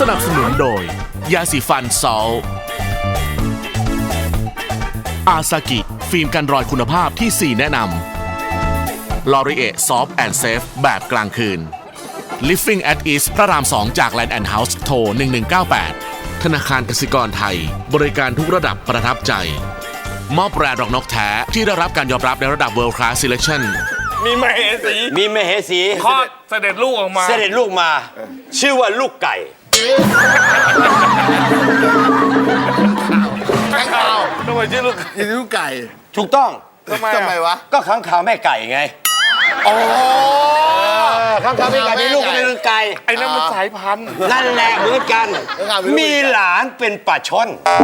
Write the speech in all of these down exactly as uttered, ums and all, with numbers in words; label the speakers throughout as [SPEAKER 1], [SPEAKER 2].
[SPEAKER 1] นับสนุนโดยยาสีฟันซอลอาซากิฟิล์มกันรอยคุณภาพที่สี่แนะนำลอรีเอซอฟต์แอนด์เซฟแบบกลางคืน Living at East พระรามสองจาก Land and House โทรหนึ่งหนึ่งเก้าแปดธนาคารกสิกรไทยบริการทุกระดับประทับใจมอบแบรนด์ดอกนกแท้ที่ได้รับการยอมรับในระดับ World Class Selection
[SPEAKER 2] มีมเหสี
[SPEAKER 3] มีมเหสี
[SPEAKER 2] คลอดเสด็จลูกออกมา
[SPEAKER 3] เสด็จลูกมา ชื่อว่าลูกไก่
[SPEAKER 4] ข้างข่าว
[SPEAKER 2] ทำไมชื่อลูก
[SPEAKER 4] ยินดีลูกไก่
[SPEAKER 3] ถูกต้อง
[SPEAKER 2] ทำไม
[SPEAKER 4] ทำไมวะ
[SPEAKER 3] ก็ข้างข่าวแม่ไก่ไง
[SPEAKER 4] โอ้
[SPEAKER 3] ข้างข่าวแม่ไก่มีลูกเป็นลูกไก่
[SPEAKER 2] ไอ้นั่นมันสายพันธุ์
[SPEAKER 3] นั่นแหละเหมือนกัน มีหลานเป็นป่าช่อน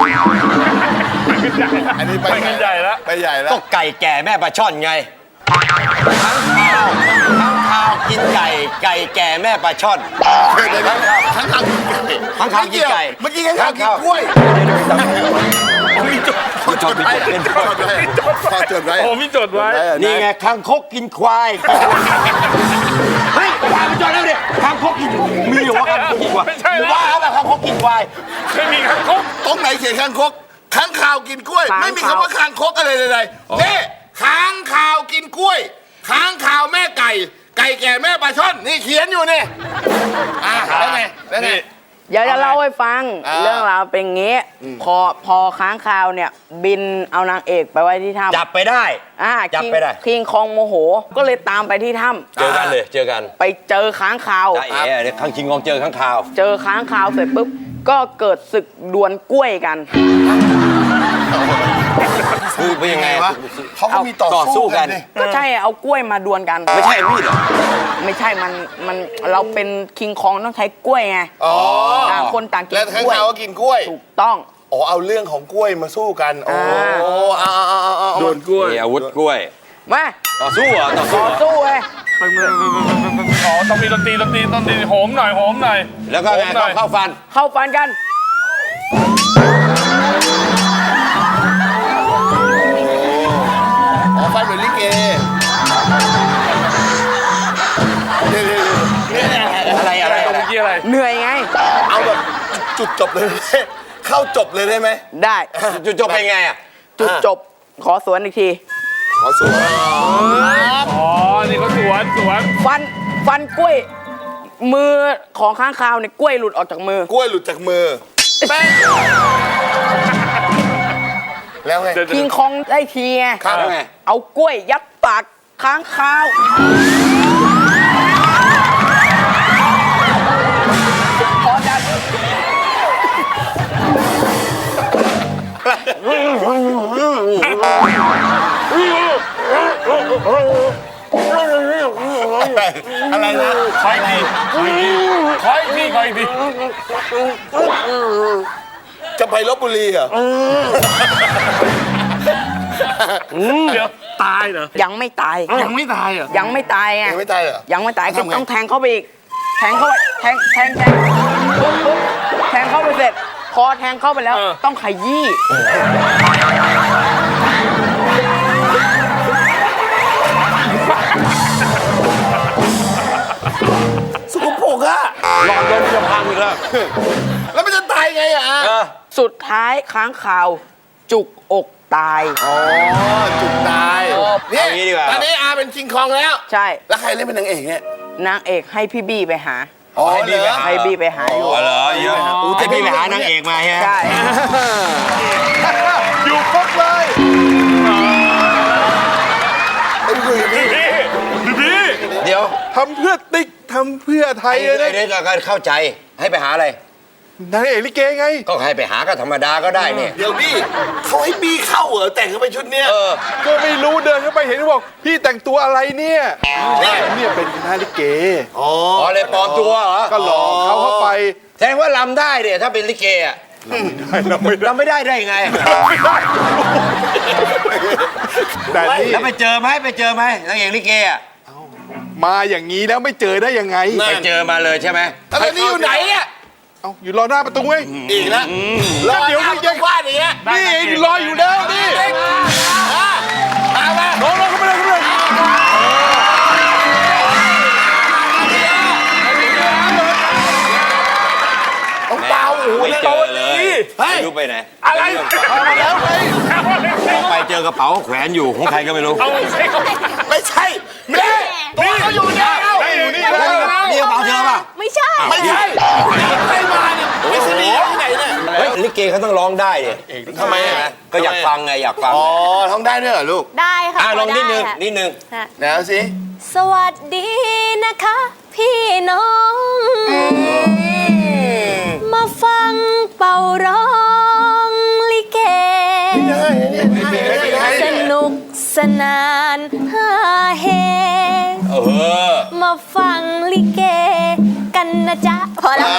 [SPEAKER 4] อันนี้ไป
[SPEAKER 2] ไปกันใหญ่แล้ว
[SPEAKER 4] ไปใหญ่แล้ว
[SPEAKER 3] ก็ไก่แก่แม่ป่าช่อนไงข้างข่าวข้างข่าวกินไก่ ไก่แก่แม่ป่าช่อน
[SPEAKER 4] เดี๋ยวเดี๋ยวข้างข่าวกินไก่
[SPEAKER 3] ข้างข่าวกินไก่
[SPEAKER 4] เมื่อกี้ข้างข่าวกินกล้วย
[SPEAKER 3] มีจดมีจดเป็นจด
[SPEAKER 4] จดไว้จดไว้
[SPEAKER 2] โอ้มีจดไว้
[SPEAKER 3] นี่ไงคางคกกินควายเฮ้ยควายมันจอดแล้วดิคางคกกินมีเหรอวะคางคกกินควาย
[SPEAKER 2] ไม่ใช่แล้ว
[SPEAKER 3] ว่าแล้วแบบคางคกกินควาย
[SPEAKER 2] ไม่มีคางคก
[SPEAKER 4] ตรงไหนเขียนข้างคกข้างข่าวกินกล้วย ไม่มีคำว่าข้างคกอะไรเลยๆนี่ข้างข่าวกินกล้วยข้างข่าวแม่ไก่ ไก่แก่แม่ปลาช่อนนี่เขียนอยู่นี่อ่ะแล้วไงแล้วไง
[SPEAKER 5] เดี๋ยวจะเล่าให้ฟัง
[SPEAKER 4] อ่า
[SPEAKER 5] เรื่องราวเป็นงี้พอพอค้างคาวเนี่ย บินเอานางเอกไปไว้ที่ถ้ำ
[SPEAKER 3] จับไปได้
[SPEAKER 5] อ่า
[SPEAKER 3] จับ
[SPEAKER 5] คิง
[SPEAKER 3] ไปได้
[SPEAKER 5] คิงคองโมโห ก็เลยตามไปที่ถ้
[SPEAKER 3] เจอกันเลยเจอกัน
[SPEAKER 5] ำไปเจอค้างคาว
[SPEAKER 3] จ้าเอ๋เนี่ยข้างคิงกองเจอข้างข่าว
[SPEAKER 5] เจอค้างคาวเสร็จปุ๊บก็เกิดศึกดวลกล้วยกัน
[SPEAKER 3] คือเป็นยังไง
[SPEAKER 4] วะเขาก็มีต่อ
[SPEAKER 3] ต่อสู้
[SPEAKER 4] สู้
[SPEAKER 3] กั
[SPEAKER 4] กัน นดิ
[SPEAKER 5] ก็ใช่เอากล้วยมาดวลกัน
[SPEAKER 3] ไม่ใช่มีดเหรอ
[SPEAKER 5] ไม่ใช่มันมันเราเป็นคิงคองต้องใช้กล้วยไง
[SPEAKER 4] อ๋อ
[SPEAKER 5] ต่างคนต่างกิน
[SPEAKER 4] แล้วข้าง
[SPEAKER 5] กล้วย
[SPEAKER 4] ข่าวก็กินกล้วย
[SPEAKER 5] ถูกต้อง
[SPEAKER 4] อ๋อเอาเรื่องของกล้วยมาสู้กันโอ้
[SPEAKER 5] อ่า
[SPEAKER 4] เอาเอาเอาเอาเอา
[SPEAKER 2] โดนกล้วย
[SPEAKER 3] มีอาวุธกล้วย
[SPEAKER 5] มา
[SPEAKER 3] ต่อสู้เหรอต่อสู้
[SPEAKER 5] ต่อ
[SPEAKER 3] เหรอ
[SPEAKER 5] สู้เลย
[SPEAKER 2] อ๋อต้องมีดนตรีดนตรีดนตรีโหมหน่อยโหมหน่อย
[SPEAKER 3] แล้วก็ไง
[SPEAKER 2] โหมหน่
[SPEAKER 3] เข้า
[SPEAKER 2] อย
[SPEAKER 3] เข้าฟัน
[SPEAKER 5] เข้าฟันกัน
[SPEAKER 4] อ๋อฟันเหมือนลิเกเดี๋ยวเดี๋ยวเดี๋ยว
[SPEAKER 3] อะไรอะไร
[SPEAKER 2] ตร
[SPEAKER 3] อะ
[SPEAKER 2] ง
[SPEAKER 3] ไร
[SPEAKER 2] เมื่อกี้อะไร
[SPEAKER 5] เหนื่อยไง
[SPEAKER 4] เอาแบบจุดจบเลย เข้าจบเลยได้ไหม
[SPEAKER 5] ได้
[SPEAKER 3] จุดจบเป็นไงอ่ะ
[SPEAKER 5] จุดจบขอสวนอีกที
[SPEAKER 4] ขอสู้
[SPEAKER 2] อ๋อนี่เขาสวนสวน
[SPEAKER 5] ฟันฟันกล้วย มือของค้างคาวเนี่ยกล้วยหลุดออกจากมือ
[SPEAKER 4] กล้วยหลุดจากมือแป้งแล้วไง
[SPEAKER 2] เดี๋ยว
[SPEAKER 5] คิงคองได้ทีไง
[SPEAKER 4] ครับ
[SPEAKER 3] แล้วไง
[SPEAKER 5] เอากล้วยยัดปากค้างคาวพอจะ
[SPEAKER 4] อะไรนะ
[SPEAKER 2] คอยดีคอยดีคอยดีคอยดี
[SPEAKER 4] จะไปลบบุรีเหรอ
[SPEAKER 2] เดี๋ยวตายเหรอ
[SPEAKER 5] ยังไม่ตาย
[SPEAKER 2] ยังไม่ตายเหรอ
[SPEAKER 5] ยังไม่ตายไง
[SPEAKER 4] ยังไม่ตายเหรอ
[SPEAKER 5] ยังไม่ตายก็
[SPEAKER 4] ทำไง
[SPEAKER 5] ต้องแทงเข้าไปอีก แทงเข้าไปแทงแทงแทงปุ๊บปุ๊บแทงเข้าไปเสร็จ พอแทงเข้าไปแล้ว ต้องขยี้
[SPEAKER 4] สกปรกอะ
[SPEAKER 3] หลอดลมจะพังอีกแล้ว
[SPEAKER 4] แล้วมันจะตายไงอะ
[SPEAKER 3] เออ
[SPEAKER 5] สุดท้ายค้างคาวจุกอกตาย
[SPEAKER 4] อ๋อจุดตายเนี่ย
[SPEAKER 3] เอางี้ดีกว่า
[SPEAKER 4] ตอนนี้อาเป็นคิงคองแล้ว
[SPEAKER 5] ใช่
[SPEAKER 4] แล้วใครเล่นเป็นนางเอกเนี่ย
[SPEAKER 5] นางเอกให้พี่บี้ไปหา
[SPEAKER 4] อ๋อ
[SPEAKER 3] ให้บี้ไปหา
[SPEAKER 5] ให้บี้ไปหาอยู่
[SPEAKER 3] อ๋อเหรอเยอะจะพี่ไปหานางเอกมาใช่ไหม
[SPEAKER 5] ใช่
[SPEAKER 4] อยู่ครบเลยไอ้คุยกับพี่
[SPEAKER 2] พี่พี่
[SPEAKER 3] เดี๋ยว
[SPEAKER 4] ทำเพื่อติ๊กทำเพื่อไทย
[SPEAKER 3] ไอ้
[SPEAKER 4] เลยนะ
[SPEAKER 3] เดี๋ยวเราเข้าใจให้ไปหาอะไร
[SPEAKER 4] นางเอกลิเกไง
[SPEAKER 3] ก็ให้ไปหาก็ธรรมดาก็ได้เนี่ย
[SPEAKER 4] เดี๋ยวพี่เขาให้บี้เข้าเหรอแต่งเข้าไปชุดเนี้ย
[SPEAKER 3] เออ
[SPEAKER 6] ก็ไม่รู้เดินเข้าไปเห็นบอกพี่แต่งตัวอะไรเนี่ยเนี่ยเป็นคณะลิเก
[SPEAKER 4] อ๋อ
[SPEAKER 3] อ๋อเลยปลอมตัวเหรอ
[SPEAKER 6] ก็หลอกเขาเข้าไป
[SPEAKER 3] แสดงว่าลำได้เนี่ยถ้าเป็นลิเกอะลำไม่ได้ได้ไง
[SPEAKER 6] แต่นี่
[SPEAKER 3] แล้วไปเจอไหมไปเจอไหมนางเอกลิเกอะ
[SPEAKER 6] มาอย่างนี้แล้วไม่เจอได้ยังไง
[SPEAKER 3] ไปเจอมาเลยใช่ไหม
[SPEAKER 4] แล้วตอนนี้อยู่ไหนเนี่ย
[SPEAKER 6] เอาอยู่รอหน้าประตูเว้ย
[SPEAKER 4] อีกแล้วรอ
[SPEAKER 6] เดี๋ยว
[SPEAKER 4] หน้า
[SPEAKER 6] นี่
[SPEAKER 4] ประตูบ้านอย่างเงี้ย
[SPEAKER 6] นี่ไอ้รออยู่แล้วนี่
[SPEAKER 4] มามา
[SPEAKER 6] ลงลงเข้าไปเลยเข้าไปเลย
[SPEAKER 4] เอา
[SPEAKER 2] เฮ้ย
[SPEAKER 3] ไม่รู้ไปไหน
[SPEAKER 2] อะไรเอามาแล้วไง
[SPEAKER 3] ไปเจอกระเป๋าแขวนอยู่ของใครก็ไม่รู้
[SPEAKER 2] เอาสิ
[SPEAKER 4] ไม่ใช่แม่ตัวเขาอยู่เนี่ย
[SPEAKER 2] อยู่นี่
[SPEAKER 3] นี่กระเป๋าเธอป่ะ
[SPEAKER 5] ไม่ใช่
[SPEAKER 4] ไม่ใช่ใครมาเนี่ยไปสนีที่ไหนเนี่ย
[SPEAKER 3] เฮ้ยลิเกเขาต้องร้องได้ดิ
[SPEAKER 4] ทำไมอ่ะ
[SPEAKER 3] ก็อยากฟังไงอยากฟัง
[SPEAKER 4] อ๋อท้องได้ด้วยเหรอลูก
[SPEAKER 5] ได้ค่ะ
[SPEAKER 3] อ่ะลองนิดนึง
[SPEAKER 5] ค่ะ
[SPEAKER 3] นิดนึง
[SPEAKER 5] ค่ะ
[SPEAKER 4] แล้วสิ
[SPEAKER 5] สวัสดีนะคะ พี่น้อง มาฟังเป่าร้องลิเก สนุกสนานฮาเฮ
[SPEAKER 3] เออ
[SPEAKER 5] มาฟังลิเกกันนะจ๊ะ พอแล้ว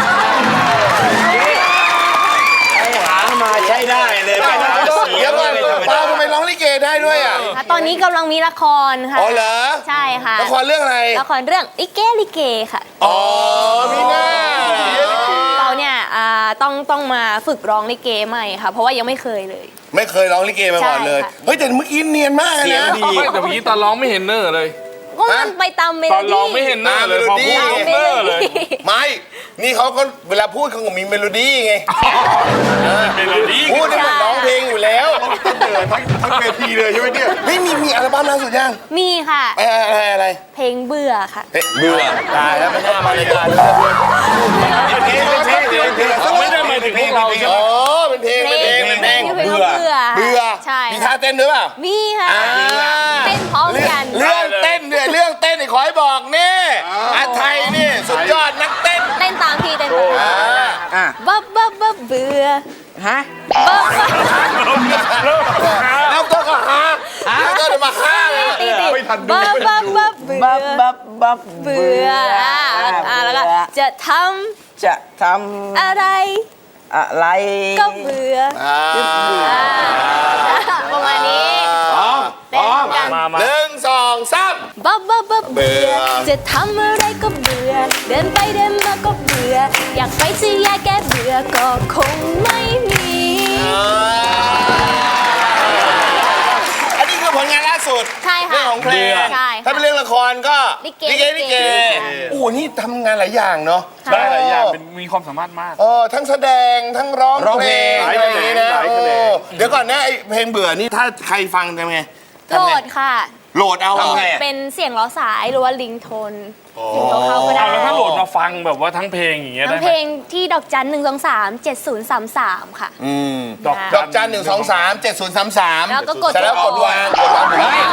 [SPEAKER 3] หามาใช้ได้เลยไปหาเสีย
[SPEAKER 4] เดี๋ย
[SPEAKER 3] ง
[SPEAKER 4] วก่อน
[SPEAKER 3] เลยธรรม
[SPEAKER 4] ป้า
[SPEAKER 3] ดา
[SPEAKER 4] ทำไมร้องลิเกได้ด้วยอ่ะ
[SPEAKER 5] ตอนนี้กำลังมีละครค่ะ
[SPEAKER 4] อ๋อเหรอ
[SPEAKER 5] ใช่ค่ะ
[SPEAKER 4] ละครเรื่องอะไร
[SPEAKER 5] ละครเรื่องลิเกลิเกค่ะ
[SPEAKER 4] อ๋อมีหน้า
[SPEAKER 5] เราเนี่ยอ่าต้องต้องมาฝึกร้องลิเกใหม่ค่ะ เพราะว่ายังไม่เคยเลย
[SPEAKER 4] ไม่เคยร้องลิเกมาก่อนเลย
[SPEAKER 5] ใช่ค่ะ
[SPEAKER 4] เฮ้ยแต่เมื่อกี้เนียนมากเลย
[SPEAKER 3] เสียง
[SPEAKER 4] นะ
[SPEAKER 3] ดี
[SPEAKER 2] แต่เมื่อกี้ตอนร้องไม่เห็นเนอร์เลย
[SPEAKER 5] ก็มันไปตามเม
[SPEAKER 2] ต
[SPEAKER 5] โล
[SPEAKER 2] อน
[SPEAKER 5] ดี้
[SPEAKER 2] ร้องไม่เห็นเนอร์เลยพอพูด
[SPEAKER 5] ตาม
[SPEAKER 2] เห็น
[SPEAKER 5] เม
[SPEAKER 2] เน
[SPEAKER 5] โล
[SPEAKER 2] อร์เลย
[SPEAKER 5] ดี้
[SPEAKER 4] ไม่ นี่เขาก็เวลาพูดเขาก็มีเมโลดี้ไง
[SPEAKER 2] เมโลดี้
[SPEAKER 4] พูดได้เหมือนร้องเพลงอยู่แล้ว
[SPEAKER 6] ทั้งทั้งเวทีเลยใช่ไหมเนี่ย
[SPEAKER 4] เฮ้ยมีมีอัลบั้มล่าสุดยัง
[SPEAKER 5] มีค่ะ
[SPEAKER 4] อะไรอะไรอะไร
[SPEAKER 5] เพลงเบื่อค่ะ
[SPEAKER 4] เฮ้ยเบื่อตายแล้วไม่น่ามารายการเลย
[SPEAKER 3] เพลงเป็นเพลงเพลงเพลง
[SPEAKER 2] ไม่ได้หมายถึงพวกเราใช่ไหม
[SPEAKER 4] อ๋อเป็นเพลงเป็นเพลงเป็นเพลง
[SPEAKER 5] เพลงว่าเบื่อ
[SPEAKER 4] เบื่อ
[SPEAKER 5] ใช่
[SPEAKER 4] มีท่าเต้นด้วยเปล่า
[SPEAKER 5] มีค่ะ
[SPEAKER 4] อ่า
[SPEAKER 5] เต้นพร้อมกัน
[SPEAKER 4] เรื่องเต้นเนี่ยเรื่องเต้นนี่ขอให้บอกนี่อาไทยนี่สุดยอดนักเต้น
[SPEAKER 5] เต้นตามพี่เต้นตามพี่
[SPEAKER 4] อ่า
[SPEAKER 5] บับบับบับเบื่อ
[SPEAKER 7] ฮะ
[SPEAKER 5] บับบับ
[SPEAKER 4] แล้วก็ก็หาแล้วก็เดี๋ยวมาฆ่าเลย
[SPEAKER 5] ตีตี
[SPEAKER 6] ไม่ทันดู
[SPEAKER 5] บับ
[SPEAKER 6] ไม่ทั
[SPEAKER 5] บั
[SPEAKER 6] น
[SPEAKER 5] บ
[SPEAKER 6] ดู
[SPEAKER 5] บับเบื่
[SPEAKER 7] บั
[SPEAKER 5] อบ
[SPEAKER 7] บับบับ
[SPEAKER 5] เบื่ออ่าอ่าแล้วก็จะท
[SPEAKER 7] จะท
[SPEAKER 5] ำอะไร
[SPEAKER 7] ำอะไร
[SPEAKER 5] ก็เบื่อ
[SPEAKER 4] อ่า
[SPEAKER 5] อ่าประมาณนี้เต้นกัน
[SPEAKER 2] มามา
[SPEAKER 4] หนึ่งสองสาม
[SPEAKER 5] บับบับบับเบื่อ
[SPEAKER 4] เบื่อ
[SPEAKER 5] จะทำอะไรก็เบื่อ เดินไปเดินมาก็เบื่อ อยากไปซื้อยาแก้เบื่อก็คงไม่มี
[SPEAKER 4] อันนี้คือผลงานล่าสุด
[SPEAKER 5] ใช่ค่ะ
[SPEAKER 4] เรื่องของเพลง
[SPEAKER 5] ใช่
[SPEAKER 4] ถ้าเป็นเรื่องละครก็
[SPEAKER 5] ลิเก
[SPEAKER 4] ลิเกลิเก
[SPEAKER 5] ค่ะ
[SPEAKER 4] โอ้โหนี่ทำงานหลายอย่างเนาะ
[SPEAKER 5] ค่ะ
[SPEAKER 2] ได้หลายอย่างเป็นมีความสามารถมาก
[SPEAKER 4] เออทั้งแสดงทั้งร้อง
[SPEAKER 3] ร้องเพลง
[SPEAKER 4] อะไรอย่างนี้นะ
[SPEAKER 6] หลายแขนง
[SPEAKER 4] โอ้เดี๋ยวก่อนนะไอเพลงเบื่อนี่ถ้าใครฟังทำไง
[SPEAKER 5] โหล
[SPEAKER 4] ทำไง
[SPEAKER 5] ดค่ะ
[SPEAKER 4] โหลดเอาเหรอ
[SPEAKER 3] ทำไงอะ
[SPEAKER 5] เป็นเสียงล้อสายหรือว่าลิงโทนถึงตัวเขาก็ได้
[SPEAKER 2] เอาแล้วถ้าโหลดมาฟังแบบว่าทั้งเพลงอย่างเงี้ย
[SPEAKER 5] ทั้
[SPEAKER 2] ได้
[SPEAKER 5] ง
[SPEAKER 2] ไห
[SPEAKER 5] เพ
[SPEAKER 2] ม
[SPEAKER 5] ลงที่ดอกจันหนึ่งสองสามเจ็ดศูนย์สามสามค่ะ
[SPEAKER 4] อืม
[SPEAKER 2] ดอก
[SPEAKER 4] ดอกจันหนึ่งสองสามเจ็ดศูนย์สามสาม
[SPEAKER 5] แล้วก็กด
[SPEAKER 4] เสร็จแล้วกดวางกดวางเฮ้ย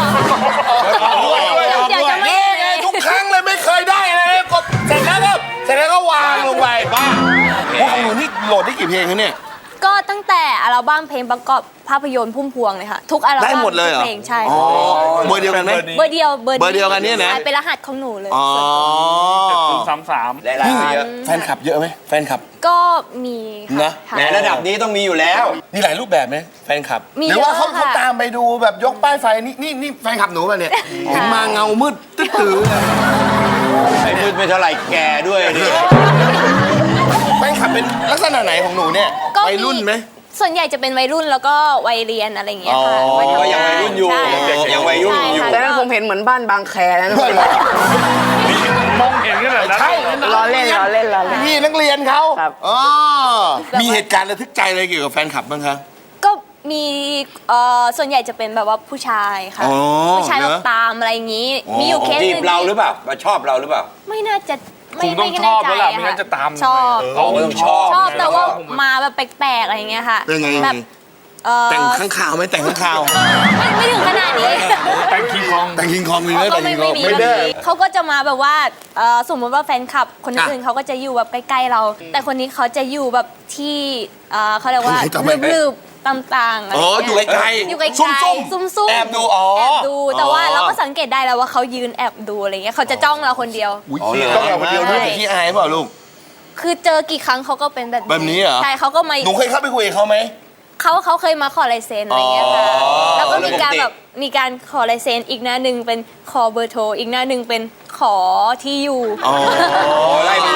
[SPEAKER 5] เดี๋ยวจะไม่
[SPEAKER 4] นี่ไงทุกครั้งเลยไม่เคยได้เลยกดเสร็จแล้วก็เสร็จแล้วก็วางลงไปบ้าพวกของหนูนี่โหลดได้กี่เพลงคะเนี่ย
[SPEAKER 5] ก็ตั้งแต่อัลบั้มเพลงประกอบภาพยนตร์พุ่มพวงเลยค่ะ ทุกอัลบั้ม
[SPEAKER 4] ได้หมดเลยเหรอ
[SPEAKER 5] ทุกเพลงใช่
[SPEAKER 4] อ๋อ
[SPEAKER 5] ค่ะ
[SPEAKER 4] เบอร์เดียวกันไหม
[SPEAKER 5] เบอร์เดียวเบอร์
[SPEAKER 4] เบอร์เดียวกันเนี่ยนะ
[SPEAKER 5] ใช่เป็นรหัสของหนูเลย
[SPEAKER 4] อ๋อ
[SPEAKER 2] ศูนย์สามสาม
[SPEAKER 3] ได้ละเยอะ
[SPEAKER 4] แฟนคลับเยอะไหมแฟนคลับ
[SPEAKER 5] ก็มี
[SPEAKER 4] นะ
[SPEAKER 5] ค่ะ
[SPEAKER 3] แหมระดับนี้ต้องมีอยู่แล้ว
[SPEAKER 4] มีหลายรูปแบบไหมแฟนคลับ
[SPEAKER 5] มี
[SPEAKER 4] หรือว่าเขา
[SPEAKER 5] เยอะค่ะ
[SPEAKER 4] เขาตามไปดูแบบยกป้ายไฟนี่นี่นี่แฟนคลับหนูป่ะเนี่ยเห็นมาเงามืดตื้อตื้อเลย
[SPEAKER 3] ไอ้มืดไม่เท่าไหร่แก่ด้วยนี่
[SPEAKER 4] แฟนคลับเป็นลักษณะไหนของหนูเนี่ย
[SPEAKER 5] ก็
[SPEAKER 4] วัยรุ่นไหม
[SPEAKER 5] ส่วนใหญ่จะเป็นวัยรุ่นแล้วก็วัยเรียนอะไรอย่างเงี้ยค่ะ
[SPEAKER 4] อ๋อ
[SPEAKER 5] วัทำ
[SPEAKER 3] ก็ยังวัยรุ่นอยู่
[SPEAKER 5] ใช่
[SPEAKER 3] ยังวัยรุ่นอยู่
[SPEAKER 5] ใช่
[SPEAKER 7] แต่
[SPEAKER 5] ค่ะ
[SPEAKER 7] นั้นผมเห็นเหมือนบ้านบางแคแล้วนะ
[SPEAKER 2] มองเห็นขนาดนั้น
[SPEAKER 4] ใช่
[SPEAKER 7] ล้อเล่นล้อเล่นล้อเล่น
[SPEAKER 4] พี่นักเรียนเขา
[SPEAKER 7] ครับ
[SPEAKER 4] อ๋อมีเหตุการณ์ระทึกใจอะไรเกี่ยวกับแฟนคลับบ้างคะ
[SPEAKER 5] ก็มีเอ่อส่วนใหญ่จะเป็นแบบว่าผู้ชายค่ะ
[SPEAKER 4] อ๋อ
[SPEAKER 5] ผู้ชาย
[SPEAKER 4] เหร
[SPEAKER 5] แบ
[SPEAKER 4] อ
[SPEAKER 5] บตามอะไรอย่างงี้
[SPEAKER 4] อ๋อ
[SPEAKER 5] มีอยู่เคสห
[SPEAKER 3] จี
[SPEAKER 5] นึ
[SPEAKER 3] บ
[SPEAKER 5] ง
[SPEAKER 3] เราห
[SPEAKER 5] ที่
[SPEAKER 3] รือเปล่ามาชอบเราหรือเปล่า
[SPEAKER 5] ไม่น่าจะ
[SPEAKER 2] ค
[SPEAKER 5] ไม่
[SPEAKER 2] งต้อง
[SPEAKER 5] ไม่
[SPEAKER 2] ช
[SPEAKER 5] แน่
[SPEAKER 2] อบ
[SPEAKER 5] ใจ
[SPEAKER 2] แล้วล่ะ
[SPEAKER 5] อะ
[SPEAKER 2] ไม่งั้นจะตาม
[SPEAKER 5] ชอบ
[SPEAKER 3] อ๋อต้องชอบ
[SPEAKER 5] ชอบแต่ว่า
[SPEAKER 2] ผม
[SPEAKER 5] มาแบบแปลกๆอะไรอย่างเงี้ยค่ะ
[SPEAKER 4] เป็นไง
[SPEAKER 5] แบบเอ่อ
[SPEAKER 4] แต่งข้างข่าวไหมแต่งข้างข่าว
[SPEAKER 5] ไม่ไม่ถึงขนาดนี้
[SPEAKER 2] แต่งคิงคอง
[SPEAKER 4] แต่งคิงคองมีไหม
[SPEAKER 5] เขาก็
[SPEAKER 4] แต่ง
[SPEAKER 5] ไม่
[SPEAKER 4] คิงค
[SPEAKER 5] ไม่
[SPEAKER 4] อง
[SPEAKER 5] มีแบบนี้เขาก็จะมาแบบว่าเอ่อสมมติว่าแฟนคลับคนอื่น
[SPEAKER 4] อ่ะ
[SPEAKER 5] เขาก็จะอยู่แบบใกล้ๆเรา แต่คนนี้เขาจะอยู่แบบที่เอ่อเขาเรียกว่า
[SPEAKER 4] ทำไม
[SPEAKER 5] ลืบๆต่างๆอะไร
[SPEAKER 4] อ๋ออยู่
[SPEAKER 5] เงี้ย
[SPEAKER 4] ไกล
[SPEAKER 5] อยู่ไกลๆ
[SPEAKER 4] ซุ่ม
[SPEAKER 5] ซุ่มๆ
[SPEAKER 4] แอบดูอ๋อ
[SPEAKER 5] แอบดูแต่ว่า
[SPEAKER 4] อ๋อ
[SPEAKER 5] เราก็สังเกตได้แล้วว่าเขายืนแอบดูอะไรเงี้ยเขาจะจ้องเราคนเดียว
[SPEAKER 4] อุ้ย
[SPEAKER 3] อ๋อเหรอ
[SPEAKER 4] ต้องเราคนเดียวด้วยแต่ที่อายเปล่าลูก
[SPEAKER 5] คือเจอกี่ครั้งเขาก็เป็นแบบ
[SPEAKER 4] แบบนี้เหรอ
[SPEAKER 5] ใช่เขาก็มา
[SPEAKER 4] หนูเคยเข้าไปคุยกับเขาไหม
[SPEAKER 5] เขาเขาเคยมาขอลายเซ็นอะไรเงี้ยค่ะ
[SPEAKER 4] อ๋อ
[SPEAKER 5] แล้วก็มีการ
[SPEAKER 3] ปกติ
[SPEAKER 5] แบบมีการขอลายเซ็นอีกหน้าหนึ่งเป็นขอเบอร์โทรอีกหน้าหนึ่งเป็นขอที่อยู่
[SPEAKER 4] อ๋อ
[SPEAKER 3] โอ้ไล่ไปเรื่อยไล่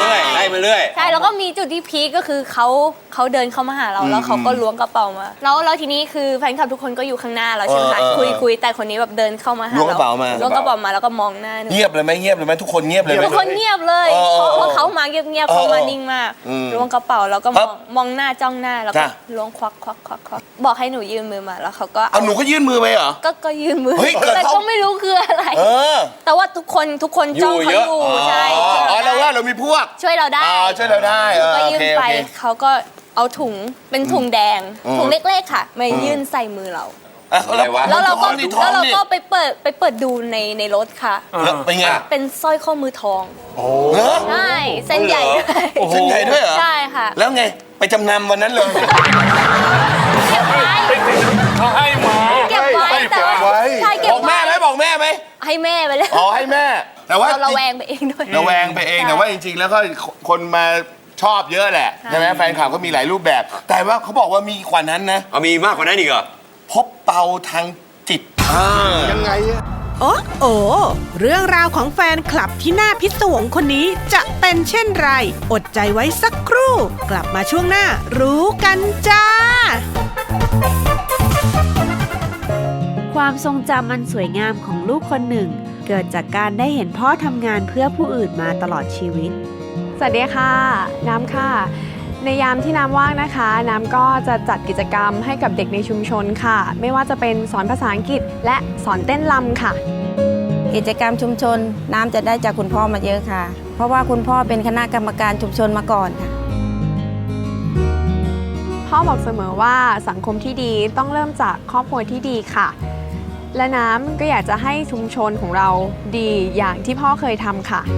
[SPEAKER 3] มาเรื่อย
[SPEAKER 5] ใช่แล้วก็มีจุดที่พีคก็คือเขาเขาเดินเข้ามาหาเราแล้วเขาก็ล้วงกระเป๋ามาแล้วแล้วทีนี้คือแฟนคลับทุกคนก็อยู่ข้างหน้าเราใช่ไหมคะคุยคุยแต่คนนี้แบบเดินเข้ามาหาเราล้วงกระเป๋ามาล้วงกระเป๋ามาแล้วก็มองหน้าหนู
[SPEAKER 4] เงียบเลยไหมเงียบเลยไหมทุกคนเงียบเลยไหม
[SPEAKER 5] ทุกคนเงียบเลยเพราะเพราะเขามาเงียบๆเขามานิ่งมากล้วงกระเป๋าแล้วก็มองมองหน้าจ้องหน้าแล้วก็ล้วงควักควักควักควักบอกให้หนูยื่นมือมาแล้วเขาก็
[SPEAKER 4] เอาหนูก็ยื่นมือไปเหรอ
[SPEAKER 5] ก็ก็ยื่นมือ
[SPEAKER 4] เฮ้ยเกิด
[SPEAKER 5] แต่
[SPEAKER 4] เขา
[SPEAKER 5] ก็ไม่รู้คืออะไร
[SPEAKER 4] เออ
[SPEAKER 5] แต่ว่าทุกคนทุกคนจ้องเขาอยู่ใช่
[SPEAKER 4] อ๋อเราว่าเรามีพวก
[SPEAKER 5] ช่วยเราได้
[SPEAKER 4] อ๋อช่วยเราได้เออ
[SPEAKER 5] ก็
[SPEAKER 4] โอ
[SPEAKER 5] ยื่
[SPEAKER 4] เคน โอ
[SPEAKER 5] ไป
[SPEAKER 4] เค
[SPEAKER 5] เขาก็เอาถุงเป็นถุงแดง
[SPEAKER 4] อืม
[SPEAKER 5] ถุงเล็กๆค่ะมายื่นใส่มือเรา
[SPEAKER 4] อ่ะแล้ว
[SPEAKER 5] แล้วเราก็
[SPEAKER 4] ท้องดิท้อ
[SPEAKER 5] แล้ว
[SPEAKER 4] ง
[SPEAKER 5] เรา
[SPEAKER 4] ดิ
[SPEAKER 5] ก็ไปเปิดไปเปิดดูในในรถค่ะ
[SPEAKER 4] แล้วเป็นไง
[SPEAKER 5] เป็นสร้อยข้อมือทอง
[SPEAKER 4] เหรอ
[SPEAKER 5] ใช่เส้นใหญ่ด้วย
[SPEAKER 4] เส้นใหญ่ด้วยเหรอ
[SPEAKER 5] ใช่ค่ะ
[SPEAKER 4] แล้วไงไปจำนำวันนั้นเลย
[SPEAKER 5] เก็บไว้
[SPEAKER 2] เขาให้มา
[SPEAKER 5] เก็บไว้แต่ว่า
[SPEAKER 6] ไว้
[SPEAKER 5] ใช่เก็บบ
[SPEAKER 4] อกแม่
[SPEAKER 5] ไว้
[SPEAKER 4] ไหมบอกแม่ไหม
[SPEAKER 5] ให้แม่ไปเลย
[SPEAKER 4] อ๋อให้แม่ แต่ว่า
[SPEAKER 5] เราระแวงไปเองด้วย
[SPEAKER 4] ระแวงไปเอง
[SPEAKER 5] ใช่
[SPEAKER 4] แต่ว่าจริงๆ แล้วก็คนมาชอบเยอะแหละใช่ไหมแฟนคลับก็มีหลายรูปแบบ แต่ว่าเขาบอกว่ามีกว่านั้นนะ
[SPEAKER 3] เอามีมากกว่านั้นอีกเหรอ
[SPEAKER 4] พบเปาทางจิต
[SPEAKER 6] ยังไงอะ
[SPEAKER 8] โอ้โอเรื่องราวของแฟนคลับที่น่าพิศวงคนนี้จะเป็นเช่นไร อดใจไว้สักครู่ กลับมาช่วงหน้ารู้กันจ้า
[SPEAKER 9] ความทรงจำอันสวยงามของลูกคนหนึ่ง เกิดจากการได้เห็นพ่อทำงานเพื่อผู้อื่นมาตลอดชีวิต
[SPEAKER 10] สวัสดีค่ะ น้ำค่ะ ในยามที่น้ำว่างนะคะ น้ำก็จะจัดกิจกรรมให้กับเด็กในชุมชนค่ะ ไม่ว่าจะเป็นสอนภาษาอังกฤษและสอนเต้นรำค่ะ
[SPEAKER 7] กิจกรรมชุมชนน้ำจะได้จากคุณพ่อมาเยอะค่ะ เพราะว่าคุณพ่อเป็นคณะกรรมการชุมชนมาก่อนค่ะ
[SPEAKER 10] พ่อบอกเสมอว่าสังคมที่ดีต้องเริ่มจากครอบครัวที่ดีค่ะ และน้ำก็อยากจะให้ชุมชนของเราดีอย่างที่พ่อเคยทำค่ะ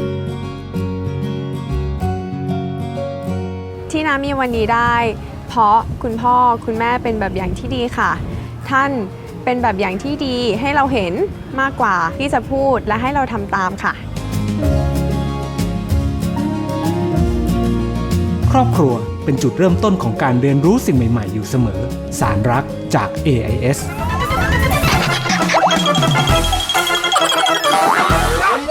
[SPEAKER 10] ที่น้ำมีวันนี้ได้ เพราะคุณพ่อคุณแม่เป็นแบบอย่างที่ดีค่ะ ท่านเป็นแบบอย่างที่ดีให้เราเห็นมากกว่าที่จะพูดและให้เราทำตามค่ะ
[SPEAKER 11] ครอบครัวเป็นจุดเริ่มต้นของการเรียนรู้สิ่งใหม่ๆอยู่เสมอ สารรักจาก เอ ไอ เอส